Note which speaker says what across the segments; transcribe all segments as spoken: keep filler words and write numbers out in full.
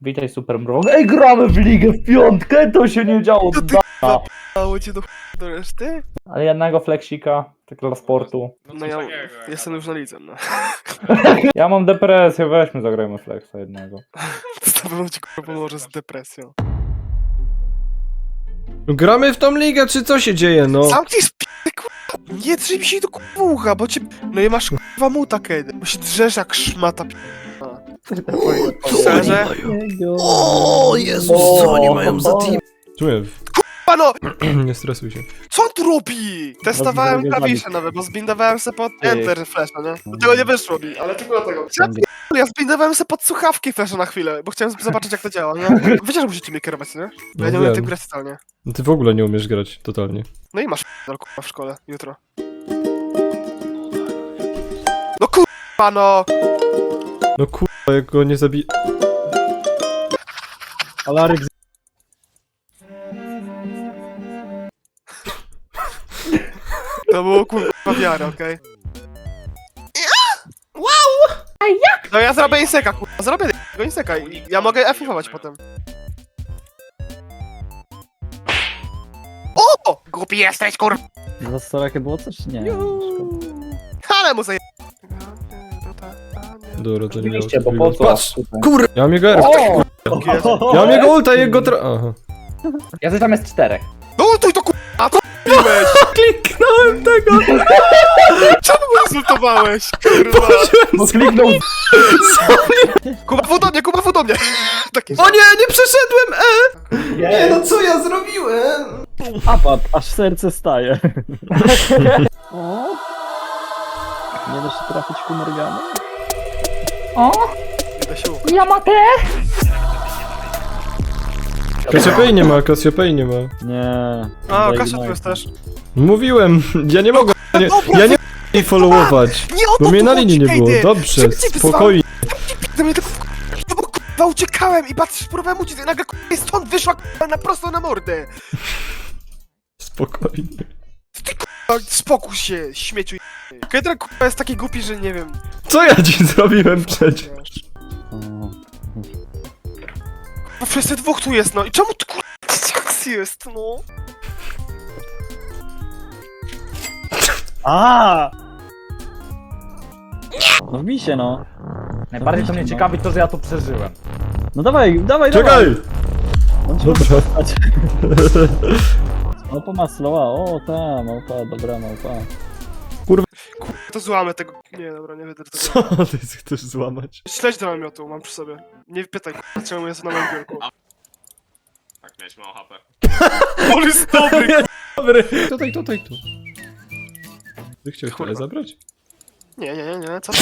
Speaker 1: Witaj Super Mrok. Ej, gramy w ligę w piątkę, to się nie działo
Speaker 2: To
Speaker 1: z
Speaker 2: ty
Speaker 1: dana.
Speaker 2: Dało cię do, do reszty?
Speaker 1: Ale jednego flexika, tak dla sportu.
Speaker 2: No ja jestem już na lidze, no.
Speaker 1: Ja mam depresję, weźmy zagrajmy flexa jednego.
Speaker 2: To pewno ci kurwa pomoże z depresją.
Speaker 3: No gramy w tą ligę, czy co się dzieje, no?
Speaker 2: Zamknij sp***y, kurwa! Nie drzyj mi się do kurwa ucha, bo cię... No i masz kurwa muta, kiedy. Bo się drzesz jak szmata p***a. Szczerze?
Speaker 3: O Jezus, co oni mają za team? Czuję,
Speaker 2: Pano!
Speaker 3: nie stresuj się.
Speaker 2: Co on tu robi? Testowałem
Speaker 1: Robi
Speaker 2: klawisze nowe, bo zbindowałem se pod Enter flasha, nie? Do tego nie wyszło mi, ale tylko dlatego. Ja, p- ja zbindowałem se pod słuchawki flasha na chwilę, bo chciałem zobaczyć jak to działa, nie? Wiecie, że musicie mnie kierować, nie? Bo ja nie
Speaker 3: No
Speaker 2: umiem
Speaker 3: wiem.
Speaker 2: tym grać totalnie.
Speaker 3: No ty w ogóle nie umiesz grać, totalnie.
Speaker 2: No i masz p***dol, kurwa w szkole, jutro. No kurwa no!
Speaker 3: No kurwa, jak go nie zabi...
Speaker 1: Alaryk
Speaker 2: To było kurwa wiara, okej? Wow! A jak? No ja zrobię inseka, kurwa, zrobię tego inseka i ja mogę F-ować potem. O! Głupi jesteś, kurwa!
Speaker 4: Za starakie było coś? Nie.
Speaker 2: Ale mu zaje...
Speaker 3: Dobra, to nie miało
Speaker 1: Oczywiście,
Speaker 3: co
Speaker 1: bo po
Speaker 3: chwilę.
Speaker 1: co?
Speaker 3: Patrz! Kur... Ja mam jego R.
Speaker 1: O!
Speaker 3: Ja mam jego ulta i jego tra... Aha.
Speaker 1: Ja coś tam jest czterech.
Speaker 2: No ultuj to kurwa! A to piłeś!
Speaker 3: Kliknąłem tego!
Speaker 2: Czemu go insultowałeś? Kurwa!
Speaker 1: Bo kliknął.
Speaker 2: Kuba w do mnie, Kuba w do mnie! Takie...
Speaker 3: O nie, nie przeszedłem! E!
Speaker 1: Nie,
Speaker 3: no co ja zrobiłem?
Speaker 4: Apad, aż serce staje. O? Nie da się trafić ku Morgany?
Speaker 1: O,
Speaker 2: Nie da się ufać.
Speaker 1: Yamate!
Speaker 3: Cassiopeia nie ma, Cassiopeia nie ma.
Speaker 4: Nie.
Speaker 2: A,
Speaker 4: Daj
Speaker 2: Kasia tu
Speaker 4: Mike'a.
Speaker 2: jest też.
Speaker 3: Mówiłem, ja nie mogę, ja nie, ja nie mogę jej followować.
Speaker 2: Nie o to
Speaker 3: Bo mnie
Speaker 2: tu
Speaker 3: na
Speaker 2: chodzi,
Speaker 3: linii nie było,
Speaker 2: Kejdy.
Speaker 3: dobrze,
Speaker 2: Szybciej wyzwałem.
Speaker 3: spokojnie.
Speaker 2: Do mnie tylko... No bo kurwa uciekałem i patrz, próbowałem uciec i nagle kurwa stąd wyszła kurwa na prosto na mordę.
Speaker 3: Spokojnie.
Speaker 2: Ty kurwa, spokój się, śmieciu. Kedra kurwa jest taki głupi, że nie wiem.
Speaker 3: Co ja ci zrobiłem przecież?
Speaker 4: O.
Speaker 2: Bo wszyscy dwóch tu jest, no i czemu tu kurwa jak jest, no?
Speaker 4: A! No wbij się, no.
Speaker 1: Najbardziej to mnie ciekawi to, że ja to przeżyłem.
Speaker 4: No dawaj, dawaj,
Speaker 3: Czekaj!
Speaker 4: dawaj! On ci
Speaker 3: Dobra.
Speaker 4: może stać. Małpa ma slowa, o ta, małpa, dobra małpa.
Speaker 2: Kurwa, to złamę tego. Nie, dobra, nie będę tego.
Speaker 3: Co ty chcesz złamać?
Speaker 2: Śledź do namiotu, mam przy sobie. Nie pytaj kurwa, czemu jest na moim biurku.
Speaker 5: Tak, miałeś mało H P.
Speaker 2: On jest dobry, kurwa.
Speaker 3: Dobry. Tutaj, tutaj, tu. Ty chciałeś
Speaker 2: Kurwa.
Speaker 3: tyle zabrać?
Speaker 2: Nie, nie, nie, nie, co ty?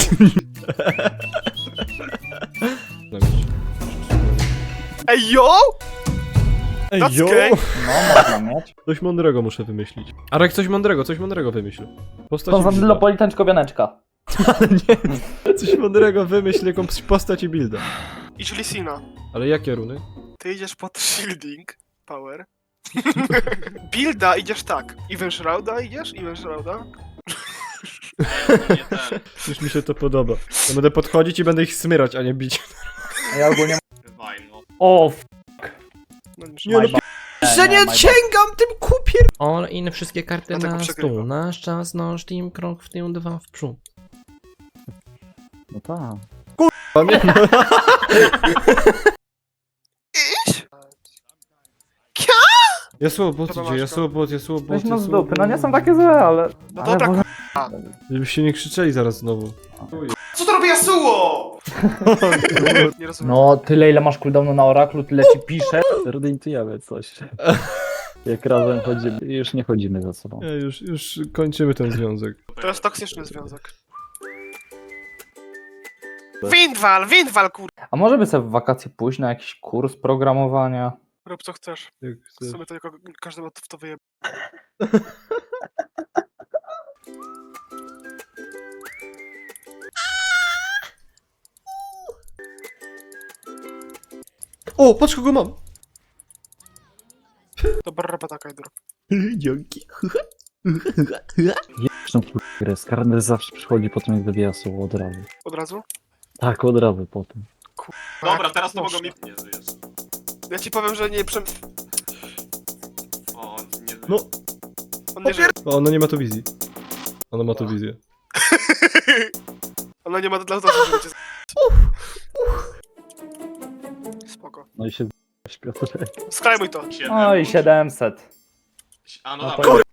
Speaker 2: Ej, yo!
Speaker 3: Ej,
Speaker 2: That's
Speaker 3: jo!
Speaker 2: gay.
Speaker 1: No, można mieć.
Speaker 3: Coś mądrego muszę wymyślić. Arek, coś mądrego, coś mądrego wymyśl. Postać i builda.
Speaker 1: Konstantynopolitan czkowianeczka.
Speaker 3: Coś mądrego wymyśl, jaką postać i builda.
Speaker 2: Idź Lisina.
Speaker 3: Ale jakie runy?
Speaker 2: Ty idziesz pod shielding, power. Builda idziesz tak. Even Shrouda idziesz? Even Shrouda?
Speaker 5: Nie ten,
Speaker 3: Już mi się to podoba. Ja będę podchodzić i będę ich smyrać, a nie bić.
Speaker 1: A ja ogólnie...
Speaker 5: wywaj, no.
Speaker 1: O, f...
Speaker 2: No nie,
Speaker 3: Nie, no, Że nie sięgam tym kupier...
Speaker 6: All in, wszystkie karty
Speaker 2: Dlatego
Speaker 6: na
Speaker 2: przegrywa.
Speaker 6: stół. Nasz czas, nasz team, krok w tył, dwa w przód.
Speaker 4: No tak.
Speaker 3: Pamiętam.
Speaker 2: Iść?
Speaker 3: Jasło bot
Speaker 2: Dobra,
Speaker 3: idzie,
Speaker 2: Maćko.
Speaker 3: jasło bot, jasło bot,
Speaker 1: Weź no z
Speaker 3: jasło
Speaker 1: dupy, no nie
Speaker 3: bot.
Speaker 1: są takie złe, ale...
Speaker 2: No
Speaker 1: ale
Speaker 2: dobra,
Speaker 1: może-
Speaker 3: Żebyście nie krzyczeli zaraz znowu.
Speaker 2: Co to robi Yasuo? Nie rozumiem.
Speaker 1: No, tyle ile masz cooldownu na oraklu, tyle ci pisze.
Speaker 4: Zordintujemy coś. Jak razem chodzimy. Już nie chodzimy za sobą.
Speaker 3: Ja już, już kończymy ten związek.
Speaker 2: To jest toksyczny związek. Windwal, Windwal, kur...
Speaker 1: A może by sobie w wakacje pójść na jakiś kurs programowania?
Speaker 2: Rób co chcesz.
Speaker 3: Jak
Speaker 2: W
Speaker 3: chcesz.
Speaker 2: sumie to jako każdy ma w to wyjeb...
Speaker 3: O, patrz kogo mam!
Speaker 2: Dobra robota, Kajdur.
Speaker 3: Dzięki.
Speaker 4: Zresztą grę, Skarner zawsze przychodzi po tym jak wybija słowo od razu.
Speaker 2: Od razu?
Speaker 4: Tak, od razu po tym.
Speaker 2: Kur...
Speaker 5: Dobra, teraz to
Speaker 2: Proszę.
Speaker 5: mogą mi... Nie żyjesz.
Speaker 2: Ja ci powiem, że nie przem...
Speaker 5: O, nie żyjesz.
Speaker 3: No.
Speaker 2: On nie żyje.
Speaker 3: O, ona nie ma tu wizji. Ona ma tu wizję.
Speaker 2: Ona nie ma dla tego, żeby cię z... Spoko.
Speaker 4: No i się z***ałeś, Piotrek.
Speaker 2: Skrajmuj to.
Speaker 5: Siedem,
Speaker 1: No i
Speaker 5: bądź.
Speaker 1: siedemset.
Speaker 5: A no
Speaker 1: No
Speaker 5: dobra.
Speaker 1: to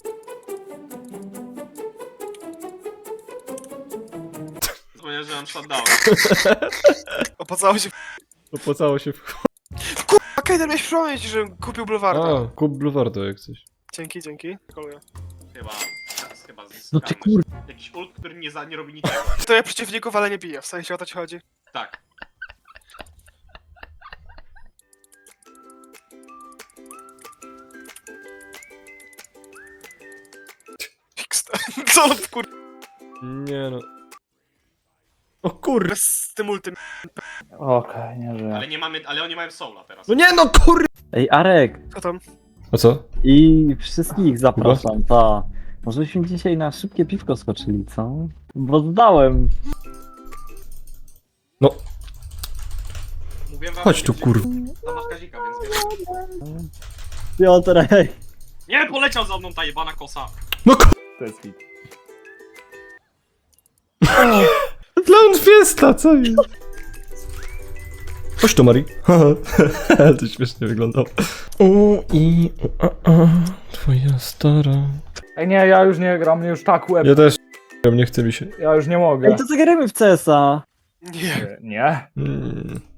Speaker 5: Zapomniałem, że mam shutdown.
Speaker 2: Opłacało się.
Speaker 3: Opłacało się w...
Speaker 2: A Kejder miałeś przypomnieć, że kupił Bluewarda.
Speaker 3: A, kup Bluewarda jak coś.
Speaker 2: Dzięki, dzięki. Dziękuję.
Speaker 5: Chyba... Chyba
Speaker 4: No ty
Speaker 5: zyskamy.
Speaker 4: kur...
Speaker 5: Jakiś ult, który nie, za, nie robi niczego.
Speaker 2: To ja przeciwników, ale nie biję. W sensie o to ci chodzi.
Speaker 5: Tak.
Speaker 2: Fix. Co on kur...
Speaker 3: Nie no. O kur...
Speaker 2: z tym ultym.
Speaker 1: Okej, nie żyję.
Speaker 5: Ale nie mamy... Ale oni mają soula teraz.
Speaker 3: No nie no kur...
Speaker 4: Ej, Arek!
Speaker 2: Co tam?
Speaker 3: A co?
Speaker 4: I wszystkich zapraszam, ta. Może byśmy dzisiaj na szybkie piwko skoczyli, co? Bo zdałem.
Speaker 3: No,
Speaker 5: Mówiłem wam,
Speaker 3: chodź
Speaker 5: że
Speaker 3: tu
Speaker 5: nie-
Speaker 3: kur...
Speaker 5: Tam masz Kazika, więc wiesz.
Speaker 4: Piotrek!
Speaker 5: Nie, poleciał za mną ta jebana kosa.
Speaker 3: No kur...
Speaker 1: To jest hit.
Speaker 3: Clown Fiesta, co jest? Chodź tu, Mari. To śmiesznie wyglądało. U i u, a, a, twoja stara.
Speaker 1: Ej nie, ja już nie gram, mnie już tak łeb.
Speaker 3: Ja też nie chcę mi się.
Speaker 1: Ja już nie mogę.
Speaker 4: Ej, to zagrajmy w C S a.
Speaker 2: Nie.
Speaker 1: Nie.
Speaker 3: Mm.